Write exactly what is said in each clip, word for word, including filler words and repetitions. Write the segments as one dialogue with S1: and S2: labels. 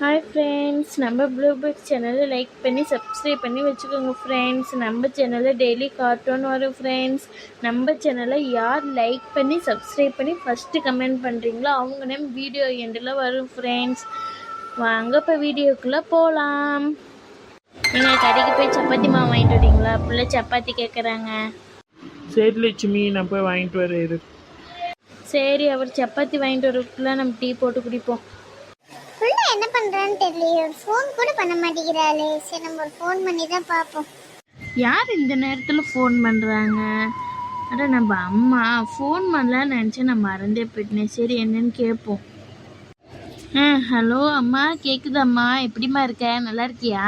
S1: Hi friends, நம்ம ப்ளூபர்ட் சேனலை like பண்ணி சப்ஸ்கிரைப் பண்ணி வச்சுக்கோங்க ஃப்ரெண்ட்ஸ். நம்ம சேனலில் டெய்லி கார்ட்டூன் வரும் ஃப்ரெண்ட்ஸ். நம்ம சேனலை யார் லைக் பண்ணி சப்ஸ்கிரைப் பண்ணி ஃபஸ்ட்டு கமெண்ட் பண்ணுறீங்களோ அவங்க நேம் வீடியோ எண்டில் வரும் ஃப்ரெண்ட்ஸ். வாங்க இப்போ வீடியோக்குள்ளே போகலாம். நீங்கள் கடைக்கு போய் சப்பாத்தி மாவு வாங்கிட்டு வரீங்களா? பிள்ளை சப்பாத்தி கேட்குறாங்க.
S2: சரி லட்சுமி, நான் போய் வாங்கிட்டு வரேன்.
S1: சரி, அவர் சப்பாத்தி வாங்கிட்டு வரக்குள்ள நம்ம டீ போட்டு குடிப்போம்.
S3: புள்ள என்ன பண்றான்னு தெரியல, ஃபோன் கூட பண்ண மாட்டேங்கிறாளே. சரி, நம்ம ஒரு ஃபோன் பண்ணி தான் பார்ப்போம்.
S1: யார் இந்த நேரத்தில் ஃபோன் பண்ணுறாங்க? அட நம்ம அம்மா. ஃபோன் பண்ணலான்னு நினச்சேன், நான் மறந்தே போயிட்டேன். சரி, என்னன்னு கேட்போம். ஆ ஹலோ அம்மா, கேட்குதாம்மா? எப்படிம்மா இருக்க? நல்லா இருக்கியா?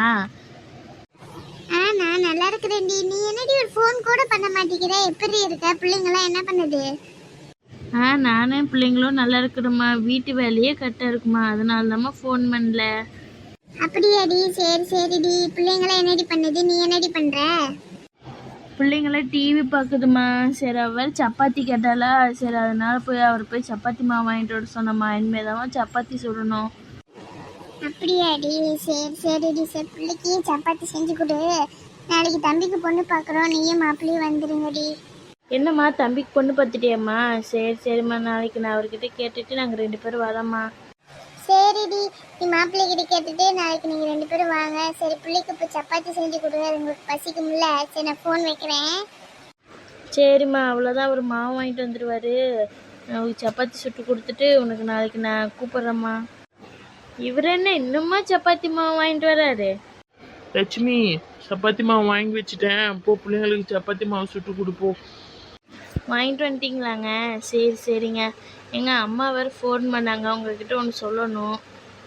S3: ஆ நான் நல்லா இருக்கிறேன்டி. நீ என்னடி ஒரு ஃபோன் கூட பண்ண மாட்டேங்கிற? எப்படி இருக்க? பிள்ளைங்களாம் என்ன பண்ணுது?
S1: ஆ நானும் பிள்ளைங்களும் நல்லா இருக்கிறோம்மா. வீட்டு வேலையே கரெக்டாக இருக்குமா, அதனால தாம்மா ஃபோன் பண்ணல.
S3: அப்படியாடி? சரி சரிடி. பிள்ளைங்களாம் என்னடி பண்ணுது? நீ என்னடி பண்ற?
S1: பிள்ளைங்களாம் டிவி பார்க்குதுமா. சரி, அவர் சப்பாத்தி கேட்டாலா, சரி அதனால போய் அவர் போய் சப்பாத்தி மாவு வாங்கிட்டு வர சொன்னம்மா. இனிமேல் தான் சப்பாத்தி சுடணும்.
S3: அப்படியாடி? சரி சரிடி. சரி, பிள்ளைக்கு சப்பாத்தி செஞ்சு கொடு. நாளைக்கு தம்பிக்கு பொண்ணு பார்க்குறோம், நீயும் மாப்பிள்ளையும் வந்துருங்கடி.
S1: என்னம்மா, தம்பிக்கு பொண்ணு பார்த்துட்டியாம்மா? சரி சரிம்மா, நாளைக்கு நான் அவர்கிட்ட கேட்டுட்டு நாங்கள் ரெண்டு பேரும் வரோம்மா.
S3: சரிடி, நீ மாப்பிள்ளை கிட்ட கேட்டுட்டு நாளைக்கு நீங்கள் ரெண்டு பேரும் வாங்க. சரி, பிள்ளைக்கு இப்போ சப்பாத்தி செஞ்சு கொடுங்க, அது உங்களுக்கு பசிக்கும்ல. சரி, நான் ஃபோன் வைக்கிறேன்.
S1: சரிம்மா, அவ்வளோதான். அவர் மாவு வாங்கிட்டு வந்துடுவார். அவருக்கு சப்பாத்தி சுட்டு கொடுத்துட்டு உனக்கு நாளைக்கு நான் கூப்பிட்றேம்மா. இவர் என்ன இன்னுமா சப்பாத்தி மாவு வாங்கிட்டு வராரு?
S2: லட்சுமி, சப்பாத்தி மாவு வாங்கி வச்சுட்டேன். போ, பிள்ளைங்களுக்கு சப்பாத்தி மாவு சுட்டு கொடுப்போம்.
S1: வாங்கிட்டு வந்துட்டிங்களாங்க? சரி சரிங்க. எங்கள் அம்மா வேறு ஃபோன் பண்ணாங்க, உங்ககிட்ட ஒன்று சொல்லணும்.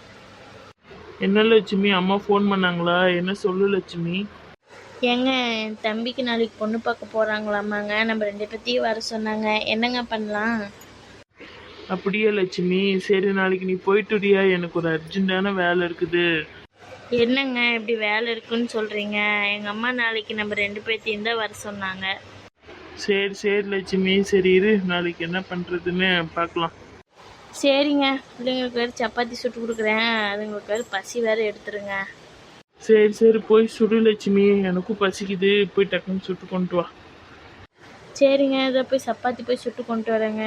S2: என்ன லட்சுமி, அம்மா ஃபோன் பண்ணாங்களா? என்ன சொல்லு லட்சுமி.
S1: ஏங்க, என் தம்பிக்கு நாளைக்கு பொண்ணு பார்க்க போகிறாங்களாமாங்க. நம்ம ரெண்டு பேர்த்தையும் வர சொன்னாங்க. என்னங்க பண்ணலாம்?
S2: அப்படியே லட்சுமி, சரி நாளைக்கு நீ போயிட்டுடியா? எனக்கு ஒரு அர்ஜென்ட்டான வேலை இருக்குது.
S1: என்னங்க இப்படி வேலை இருக்குன்னு சொல்கிறீங்க? எங்கள் அம்மா நாளைக்கு நம்ம ரெண்டு பேர்த்தையும் தான் வர சொன்னாங்க.
S2: சரி சரி லட்சுமி, சரி இரு, நாளைக்கு என்ன பண்ணுறதுன்னு பார்க்கலாம்.
S1: சரிங்க, பிள்ளைங்களுக்கு வேறு சப்பாத்தி சுட்டு கொடுக்குறேன். அதுங்களுக்கு வேறு பசி வேறு எடுத்துருங்க.
S2: சரி சரி, போய் சுடு லட்சுமி, எனக்கும் பசிக்குது. போய் டக்குன்னு சுட்டு கொண்டு வா.
S1: சரிங்க, இதை போய் சப்பாத்தி போய் சுட்டு கொண்டு வரேங்க.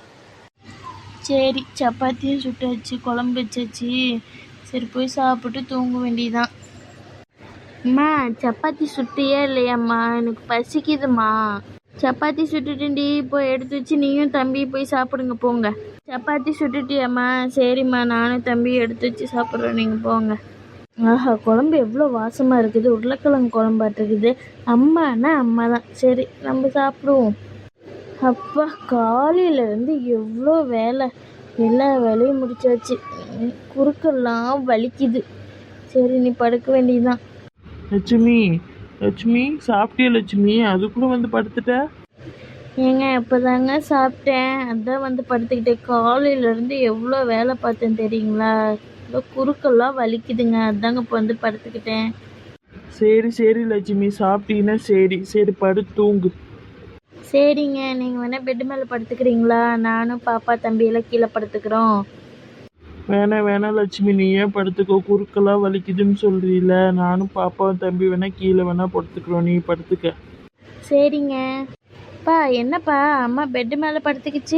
S1: சரி, சப்பாத்தியும் சுட்டாச்சு, குழம்பு வச்சாச்சு. சரி, போய் சாப்பிட்டு தூங்க வேண்டியதான். அம்மா, சப்பாத்தி சுட்டியே இல்லையாம்மா? எனக்கு பசிக்குதுமா. சப்பாத்தி சுட்டுட்டேன்டி, போய் எடுத்து வச்சு நீயும் தம்பி போய் சாப்பிடுங்க, போங்க. சப்பாத்தி சுட்டுட்டியாம்மா? சரிம்மா, நானும் தம்பி எடுத்து வச்சு சாப்பிட்றோம், நீங்கள் போங்க. ஆஹா, குழம்பு எவ்வளோ வாசமாக இருக்குது. உருளைக்கிழங்கு குழம்பாட்டு இருக்குது. அம்மானா அம்மா தான். சரி, நம்ம சாப்பிடுவோம். அப்பா, காலையிலேருந்து எவ்வளோ வேலை. எல்லா வேலையும் முடிச்சாச்சு. குறுக்கெல்லாம் வலிக்குது. சரி, நீ படுக்க வேண்டியதுதான்.
S2: லட்சுமி லட்சுமி, சாப்பிட்டியா லட்சுமி? அதுக்குள்ள வந்து படுத்துட்ட?
S1: ஏங்க, இப்போதாங்க சாப்பிட்டேன், அதான் வந்து படுத்துக்கிட்டேன். காலையிலேருந்து எவ்வளோ வேலை பார்த்தேன் தெரியுங்களா? இப்போ குறுக்கெல்லாம் வலிக்குதுங்க, அதாங்க இப்போ வந்து படுத்துக்கிட்டேன்.
S2: சரி சரி லட்சுமி, சாப்பிட்டீங்கன்னா சரி சரி, படுத்து தூங்கு.
S1: சரிங்க, நீங்கள் வேணால் பெட்டு மேலே படுத்துக்கிறீங்களா? நானும் பாப்பா தம்பியெல்லாம் கீழே படுத்துக்கிறோம்.
S2: வேணாம் வேணாம் லட்சுமி, நீ ஏன் படுத்துக்கோ. குறுக்கெல்லாம் வலிக்குதுன்னு சொல்றீல, நானும் பாப்பாவும் தம்பி வேணா கீழே வேணா படுத்துக்கிறோம், நீ படுத்துக்க.
S1: சரிங்க. பா, என்னப்பா அம்மா பெட்டு மேலே படுத்துக்கிச்சு?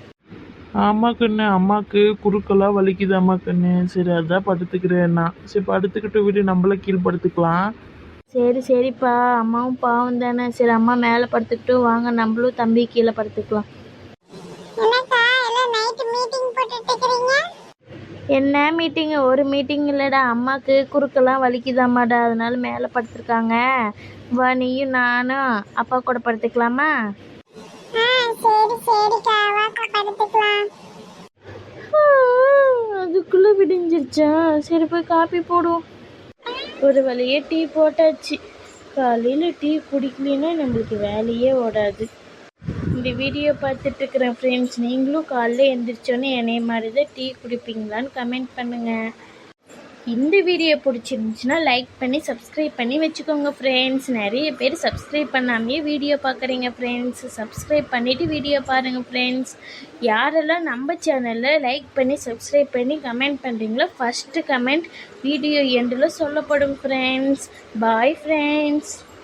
S2: ஆமா கண்ணு, அம்மாவுக்கு குறுக்கெல்லாம் வலிக்குது அம்மா கண்ணு. சரி, அதான் படுத்துக்கிறேன்னா. சரி, படுத்துக்கிட்டு விடு, நம்மள கீழே படுத்துக்கலாம்.
S1: சரி சரிப்பா, அம்மாவும் பாவம் தானே. சரி, அம்மா மேலே படுத்துக்கிட்டு வாங்க, நம்மளும் தம்பி கீழே படுத்துக்கலாம்.
S3: என்னக்கா எல்லாம் நைட் மீட்டிங் போட்டுட்டு இருக்கீங்க?
S1: என்ன மீட்டிங்கு? ஒரு மீட்டிங் இல்லைடா, அம்மாவுக்கு குறுக்கெல்லாம் வலிக்குதாம்மாடா, அதனால மேலே படுத்துருக்காங்க. வா, நீயும் நானும் அப்பா கூட படுத்துக்கலாமா?
S3: ஆ சரி சரிக்கா, வாக்கா படுத்துக்கலாம்.
S1: அதுக்குள்ளே விடிஞ்சிருச்சா? சரி, போய் காப்பி போடுவோம். ஒரு வழியே டீ போட்டாச்சு. காலையில் டீ குடிக்கலைன்னா நம்மளுக்கு வேலையே ஓடாது. இந்த வீடியோ பார்த்துட்டு இருக்கிறேன் ஃப்ரெண்ட்ஸ், நீங்களும் காலைல எழுந்திரிச்சோன்னே என்னைய மாதிரி தான் டீ குடிப்பீங்களான்னு கமெண்ட் பண்ணுங்கள். இந்த வீடியோ பிடிச்சிருந்துச்சுன்னா லைக் பண்ணி சப்ஸ்கிரைப் பண்ணி வச்சுக்கோங்க ஃப்ரெண்ட்ஸ். நிறைய பேர் சப்ஸ்கிரைப் பண்ணாமையே வீடியோ பார்க்குறீங்க ஃப்ரெண்ட்ஸ். சப்ஸ்கிரைப் பண்ணிவிட்டு வீடியோ பாருங்கள் ஃப்ரெண்ட்ஸ். யாரெல்லாம் நம்ம சேனலில் லைக் பண்ணி சப்ஸ்கிரைப் பண்ணி கமெண்ட் பண்ணுறீங்களோ ஃபஸ்ட்டு கமெண்ட் வீடியோ எண்டில் சொல்லப்படும் ஃப்ரெண்ட்ஸ். Bye friends.